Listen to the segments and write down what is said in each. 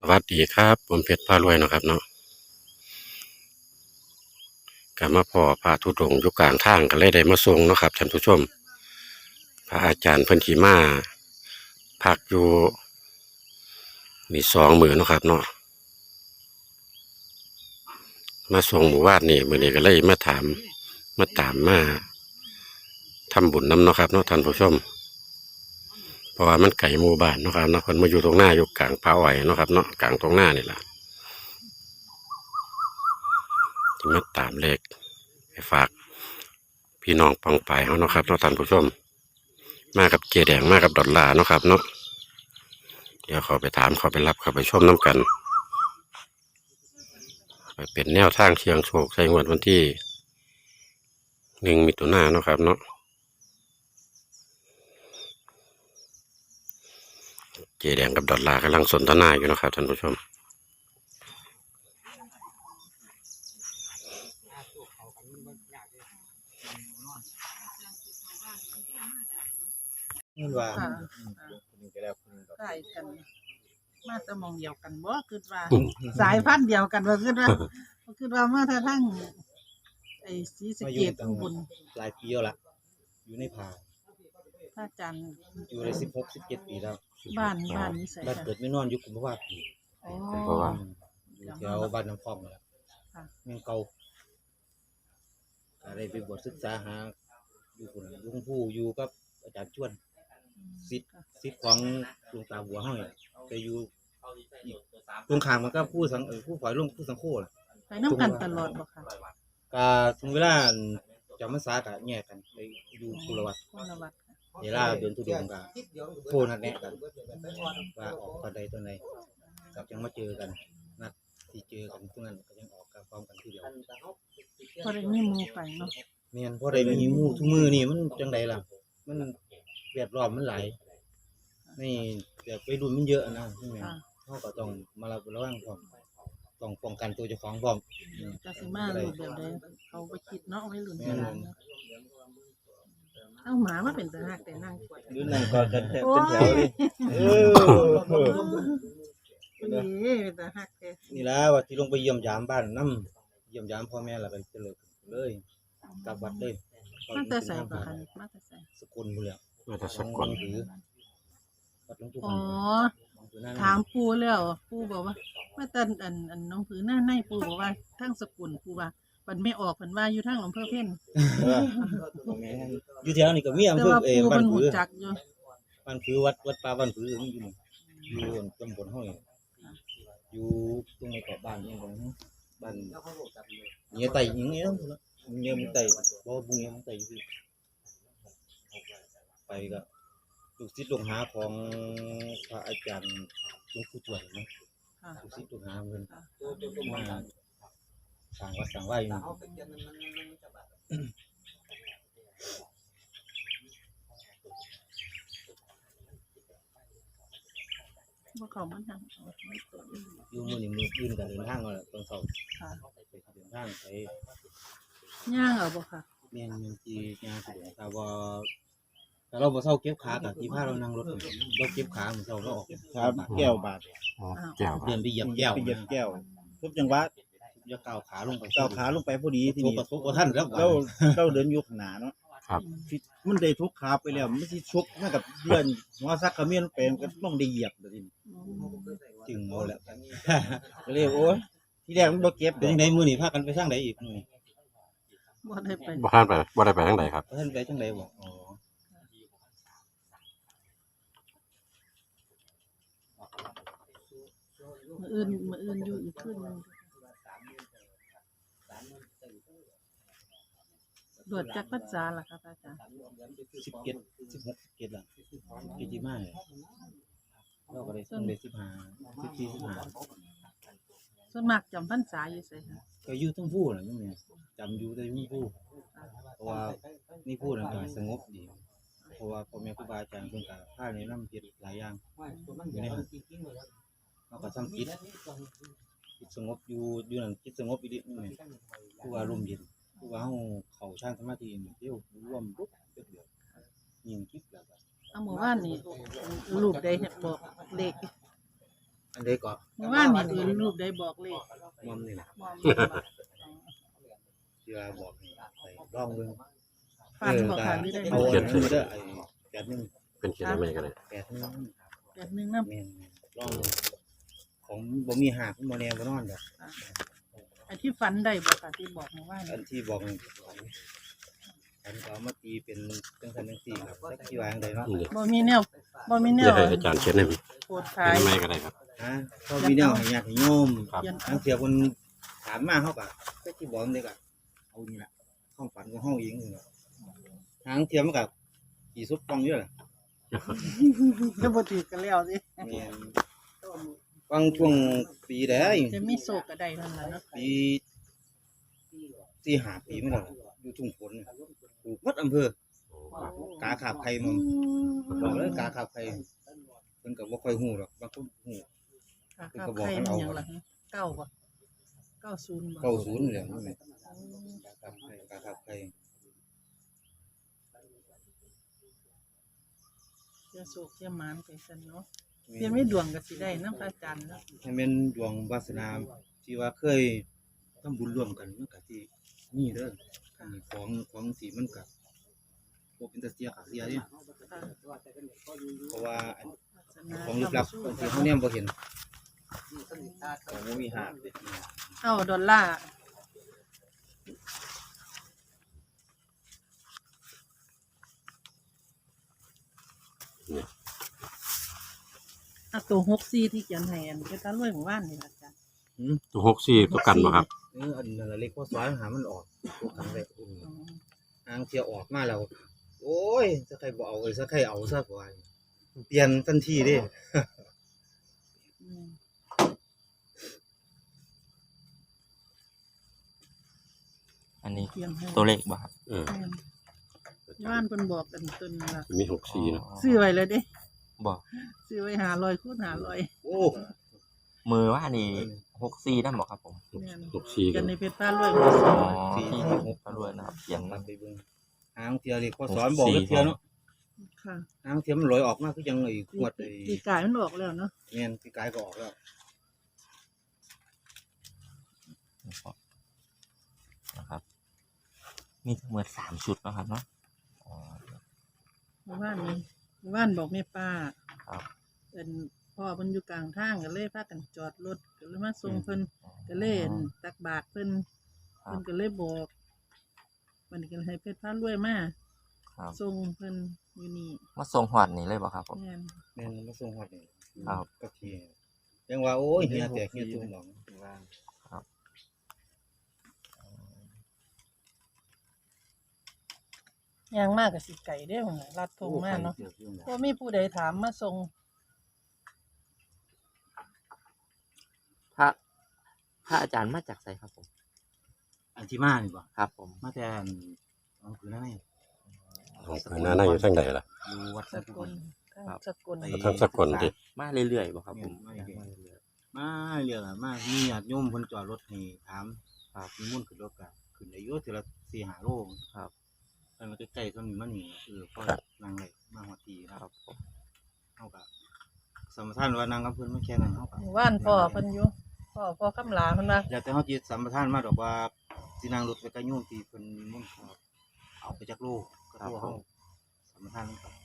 วัสดีครับผมเพชรพารวยเนาะครับเนาะกลับมาพ่อพระธุดงค์อยู่กลางทางก็เลยได้มาส่งเนาะครับท่านผู้ชมพระอาจารย์เพิ่นขี่มาพักอยู่มี2 มื้อเนาะครับเนาะมาส่งหมู่บ้านนี่มื้อนี้ก็เลยมาถามมาตามมาทำบุญนํเนาะครับเนาะท่านผู้ชมเพราะว่ามันไกลหมู่บ้านเนาะครับเนาะเพิ่นมาอยู่ตรงหน้าอยู่กลางป่าอ้อยเนาะครับเนาะกลางตรงหน้านี่ล่ะที่มาตามเลขไปฝากพี่น้องปองไปเฮาเนาะครับเนาะท่านผู้ชมมากับเจแดงมากับดอลลาร์เนาะครับเนาะเดี๋ยวเขาไปถามเขาไปรับเขาไปชมน้ำกันไปเป็นแนวทางเชียงโชคใช้งวดวันที่1 มิถุนายนเนาะครับเนาะเจแดงกับดอลลาร์กำลังสนทนาอยู่นะครับท่านผู้ชมนี่ว่าค่ะคนนึงก็แล้วคนนึงก็ใกล้กัน มาแต่หมองเดียวกันบ่คิดว่า สายพันธุ์เดียวกันบ่คิดว่ามาแต่ทั้งไอ้ศรีสะเกษอุบลหลายปีแล้วล่ะอยู่ในป่าพระอาจารย์อยู่ได้16-17 ปีแล้วบ้านนี้ใส่บ้านค่ะเกิดไม่นอนอยู่กุมภาวะปีอ๋อเพราะว่าอยู่แถวบ้านน้ำพองนั่นแหละค่ะเมืองเก่าก็ได้ไปบวชศึกษาหาอยู่พุ่นหลวงปู่อยู่กับอาจารย์ชวนศิษย์ของหลวงตาบัวเฮานี่ไปอยู่อีกตรงข้ามมันก็ผู้ฝ่ายหลวงผู้สังโฆล่ะไปนํกันตลอดบ่ค่ะก็ถึงเวลาจำพรรษาก็แยกกันไปอยู่กุลวัดคนละวัดค่ะเวลาเดินทุดงค์ก็โทรนัดแนะกันว่าออกตอนใดตอนใดกับยังมาเจอกันนัดที่เจอกันตรงนั้นก็ยังออกกันพร้อมกันทีเดียวพอได้มีหมู่ไปเนาะแม่นพอได้มีหมู่ทุกมื้อนี่มันจังไดล่ะมันแวดล้อมมันหลายนี่แบบวัยรุ่นมันเยอะนะใช่ไหมค่ะเฮาก็ต้องมาระวังพร้อมต้องป้องกันตัวเจ้าของพร้อมจะสิมารูปแบบใดเขาบ่คิดเนาะวัยรุ่นโบราณเนาะเอาหมามาเป็นตาฮักแต่นั่งกวดดูนั่นก็กันเป็นโอ้แถยวเลยนี่เป็นตาฮักแต่นี่ล่ะว่าที่ลงไปเยี่ยมยามบ้านนำเยี่ยมยามพ่อแม่แล้วก็จะเลิกเลยกลับวัดเลยมาแต่ใส่บ่ค่ะมาแต่ใส่สกุลพุ่นแหล้วมาแต่สกลถือวัดหลวงปู่อ๋ออยู่นั่นถามปู่แล้วปู่บอกว่ามาแต่น้องผือหน้าในปู่บอกว่าทั้งสกุลปู่ว่าเพิ่นไม่ออกเพิ่นว่าอยู่ทางอำเภอเพ็ญอยู่แถวนี้ก็มีอำแต่เภอว่าปู่บ้าเพิ่นนผืรู้อจักอยู่บ้านผือวัดป่าบ้านผืออยู่นี่อยู่ตำบลเฮานี่อยู่ตรงในเกาะบ้านนี่ของบ้านเงี้ยไตอย่างเงี้ยเงี้ยมันไตบ่บุงเงี้ยมันไตอยู่ที่ไปก็ลูกศิษย์ลูกหาของพระอาจารย์หลวงปู่ทวดนะค่ะลูกศิษย์ลูกหาเพิ่นมาสร้างวัดสร้างว่าอยู่นี่บ่เข้ามาทางไม่ตัวอยู่อยู่มื้อนี้มื้ออื่นก็เดินทางเอาล่ะตอนเช้าค่ะไปเดินทางไปย่างเอาบ่ค่ะแม่นที่งานสะดวกถ้าว่าถ้าเราบ่เซาเก็บขาก็สิพาเรานั่งรถไปเราเก็บขามื้อเช้าเราออกครับแก้วบาดอ๋อแก้วเดินไปเหยียบแก้วไปเหยียบแก้วทุบจังหวะอย่าก้าวขาลงไปก้าวขาลงไปพอดีทีนี้ประสบบ่ทันแล้วเราเดินอยู่ข้างหน้าเนาะครับที่มันได้ทุกขาไปแล้วมันสิชุกมากับเลื่อนหัวซักกระเมียนไปมันก็ต้องได้เหยียบเดี๋ยวนี้จึงเอาแล้วก็เลยโอ้ยที่แรกมันบ่เก็บเป็นจังไดมื้อนี้พากันไปทางใดอีกมื้อนี้บ่ได้ไปบ่ทันไปบ่ได้ไปทางใดครับบ่ทันไปทางใดบ่อ๋อมื้ออื่นอยู่อีกคืนหนึงบวชจักพรรษาล่ะครับอาจารย์ 17 16 17ล่ะกิจิมาเนี่ยเราก็ได้ส่งได้15 14 15 ส่วนมากจำพรรษาอยู่ไสค่ะก็อยู่ทั้งผู้น่ะนี่แหละจำอยู่แต่อยู่ผู้เพราะว่านี่ผู้น่ะก็สงบดี เพราะว่าพ่อแม่ครูบาอาจารย์เพิ่นก็พาแนะนำเฮ็ดหลายอย่างอยู่ในนั้นเราก็ทำจิตสงบอยู่นั่นจิตสงบอีหลีนี่แหละผู้ว่าลมเย็นผู้ว่าเฮาเข้าฌานสมาธินี่เดี๋ยวรวมปุ๊บเดียวยิงคิดแล้วก็เอาหมู่บ้านนี่รูปใดบอกเลขอันใดก็เมื่อวานนี่เอิ้นรูปได้บอกเลขมอมนี่แหละมองเห็นบ่ที่ว่าบอกให้ไปลองเบิ่งฟันบ่ค่ะหรือได้เอาบ่อันนั้นมาเด้อไอ้81 เป็นเขียนอะไรกันเลย 81 แบบนึงนำแม่นลองเบิ่งของบ่มีหากบ่แน่บ่นอนดอกไอ้ที่ฟันได้บ่ค่ะที่บอกเมื่อวานอันที่บอกอันก็เอามาตีเป็นจังซั่นจังซี่ครับจักสิว่าจังไดเนาะบ่มีแนวบ่มีแนเดี๋ยววให้อาจารย์เขียนให้โพดเขีขายนไม่ก็ได้ครับฮะพอมีแนวให้ญาติโยมครับทางเสียเพิ่นถามมาเฮาก็จักสิบอกจังไดก็เอานี่ล่ะความฝันของเฮาเองนี่ล่ะทางเทียมมันก็สิสุดป้องอยู่ล่ะจะบ่ถือกันแล้วสิแม่นบางช่วงปีใดจะมีโศกก็ได้นั่นล่ะเนาะปี4-5 ปีมาแล้วอยู่ทุ่งฝนเนี่ยปลูกหมดอำเภอกาขาบไข่มันบอกเลยกาขาบไข่เพิ่นก็บ่ค่อยฮู้หรอกบางคนฮู้ค่ะครับใครมันหยังล่ะฮะ9บ่90บ่ 90นี่แหละนั่นแหละกาขาบไข่กาขาบไข่เสียโศกเสียหมานไปซั่นเนาะเสียไม่ดวงก็สิได้นำพระอาจารย์เนาะให้แม่นดวงวาสนาที่ว่าเคยทำบุญร่วมกันมันก็สิมีเด้ออันนี้ของสิมันก็บ่เป็นตาเสียขาเสียเด้ค่ะเพราะว่าอันวาสนาของลึกลับบางทีเขาเนี่ยบ่เห็นของบ่มีหากเด้เอาดอลลาร์อ่ะตัว64ที่เขียนให้อันเป็นตารวยหมู่บ้านนี่ล่ะอาจารย์ตัว64ตัวกันบ่ครับอันนั้นละเล็กพอสอนหามันออกตัวกันได้อ๋อทางเที่ยวออกมาแล้ว โอ้ยสักใครบ่เอาสักใครเอาซะกว่าเปลี่ยนทันทีเด้อืมอันนี้เขียนให้ตัวเลขบ่ครับเออแม่นบ้านเพิ่นบอกกันต้นละมี64เนาะซื้อไว้เลยเด้บอกซื้อไว้500คูณ500 โอ้มือว่านี่64นั่นบอกครับผมแม่น 64 กักัน นในเพชรพารวยบ่อ๋ซื้ออที่6ก็รวยนะครับเขียนมันะนไปเบิ่งทางเที่ยวเล็กพอสอนบอกเที่ยวเนาะค่ะทางเที่ยวมันลอยออกมาคือยังไอ้ขวดไอ้ปีกายมันออกแล้วเนาะแม่นพี่กายก็ออกแล้วนะครับ มีทั้งหมด3ชุดนะครับเนาะอ๋อหมู่บ้านนี้หมู่บ้านบอกแม่ป้าครับเป็นพ่อเพิ่นอยู่กลางทางก็เลยพากันจอดรถก็เลยมาส่งเพิ่นก็เลยอั่นตักบาตรเพิ่นครัเพิ่บนก็เลยบอกวันนี้ก็ให้เพชรพารวยมาครับส่งเพิ่นอยู่นี่มาส่งหอดนี่เลยบ่ครับผมแม่นแม่นมาส่งฮอดนี่ครับก็ทียังว่าโอ้ยเฮียแตกเฮียตุ้มหนองย่างมากก็สิไก่เด้อลัดทงมาเนาะบ่มีผู้ใดถามมาส่งพระอาจารย์มาจากไสครับผมอันที่มานี่บ่ครับผมมาแต่อันเอาคือนั่นไงของเพิ่นน่าอยู่ทางใดล่ะอยู่วัดสสักกลสกลทางสกลติมาเรื่อยๆบ่ครับผมมาเรื่อย มาเรียกอะมามีญาติโยมเพิ่นจอดรถให้ถามครับมีมุ่นต์ขึ้นรถก็ขึ้นได้อยู่ทีละ4-5โลครับไปมาใกล้ๆต้นนี้มันนี่พอนั่งได้มาฮอดทีคครัรับบผมเฮาก็สมทานว่านั่งกับเพิ่นมาแค่นั้นเฮาก็หมู่บ้านพ่อเพิ่นอยู่พ่อคำลาเพิ่นว่าอยากแต่เฮาสิสัมปทานมาดอกว่าสินั่งรถไปกับโยมที่เพิ่นมุ่นต์ครับเอาไปจักโลก็โลเฮาสัมปทานนำกัน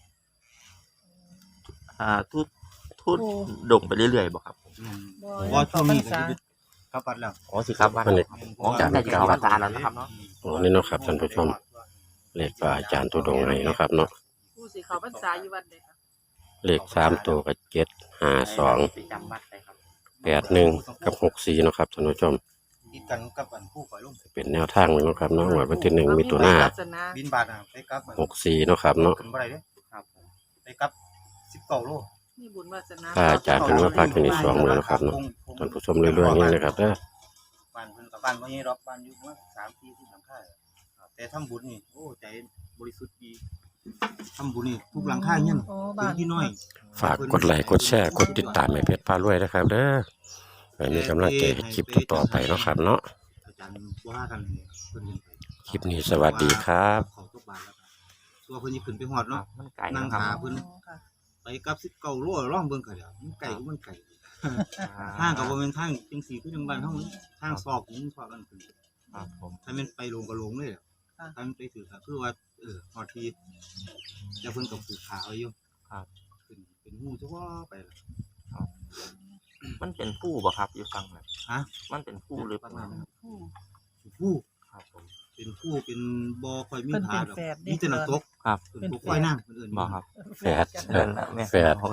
ทุดดงไปเรื่อยๆบ่ครับผมบ่ช่วงนี้ก็สิกลับวัดแล้วอ๋อสิครับว่าอันนี้อ๋อจากได้จากอาจารย์แล้วนะครับเนาะอ๋อนี่เนาะครับท่านผู้ชมเลขพระอาจารย์ตุดงค์ให้เนาะครับเนาะผู้สิเข้าพรรษาอยู่วัดใดค่ะเลข3ตัวก็752 ไปจำวัดได้ครับ 81กับ64เนาะครับท่านผู้ชมติดกันกับอันผู้ปล่อยลงเป็นแนวทางเนาะครับเนาะงวดวันที่1มิถุนายนศาสนาบินบาทน่ะไปกลับอัน 64เนาะครับเนาะขึ้นบ่ได้เด้ครับผมไปกลับ19โลมีบุญวาสนาพระอาจารย์เพิ่นว่าพาขึ้นอีก2มื้อเนาะครับเนาะท่านผู้ชมเรื่อยๆนี่นะครับเด้อบ้านเพิ่นกับบ้านบ่ใหญ่ดอกบ้านอยู่ประมาณ3-4ที่หลังคาครับแต่ทำบุญนี่โอ้ใจบริสุทธิ์ดีทำบุญนี่ทุกหลังคาเงี้ยอ๋อพื้บ้านนที่น้อยฝากกดไลค์กดแชร์กดติดตามให้เพจพารวยนะครับเด้อไว้มีกำลังใจให้คลิปต่อๆไปเนาะครับเนาะอาจารย์บ่ว่ากันให้เพิ่นเห็นไปคลิปนี้สวัสดีครับเขาทุกบ้านแล้วครับตัวเพิ่นสิขึ้นไปฮอดเนาะมันไก่นั่งนะครับหาเพิ่นค่ะไปกลับ19โลร้องเบิ่งก็เดี๋ยวมันไกลก็มันไกลทางก็บ่แม่นทางจังซี่คือจังบ้านเฮาทางซอกนี่ซอกกันขึ้นครับผมถ้าแม่นไปลงก็ลงเลยอะถ้ามันไปถือก็คือว่าฮอดที่จะเพิ่นก็ผูกขาไว้อยู่ครับขึ้นเป็นหูจักว่าไปล่ะมันเป็นผู้บ่ครับอยู่ฟังน่ะฮะมันเป็นผู้หรือเปประล่ามาณนั้นผู้ผู้ครับผมเป็นผู้เป็นบ่ค่อยมีเพิ่นผาเป็นดอกแฝดเด้มีแต่น้ำตกครับเพิ่นบ่ค่อยนั่งเพิ่นเอิ้นบ่ครับแฝดกันเดินละแม่แฝด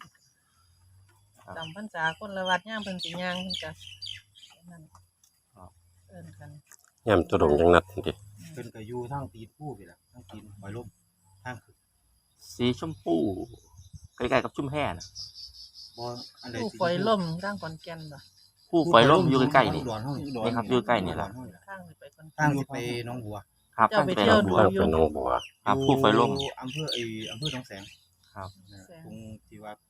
จำพรรษาคนละวัดย่ามเพิ่นสิย่างเพิ่นก็นั่นเอิ้นกันย่ำตัวดงจังนัดดิเพิ่นก็อยู่ทางตีนผู้นี่ล่ะทางตีนปล่อยลมทางขึ้นสีชมพูใกล้ๆกับชุ่มแห่น่ะบ่อันใดผู้สิปล่อยล่มร่างขอนแก่นบ่ผู้ไฟล่มอยู่ใกล้ๆนี่อุดรเฮานี่ครับอยู่ใกล้นี่ล่ะข้างนี่ไปขอนทางแก่นสิไปหนองบัวครับเจ้าไปเที่ยวดูทางเป็นหนองบัวครับผู้ไฟล่มอยู่อำเภอหนองแสงครับตรงที่ว่า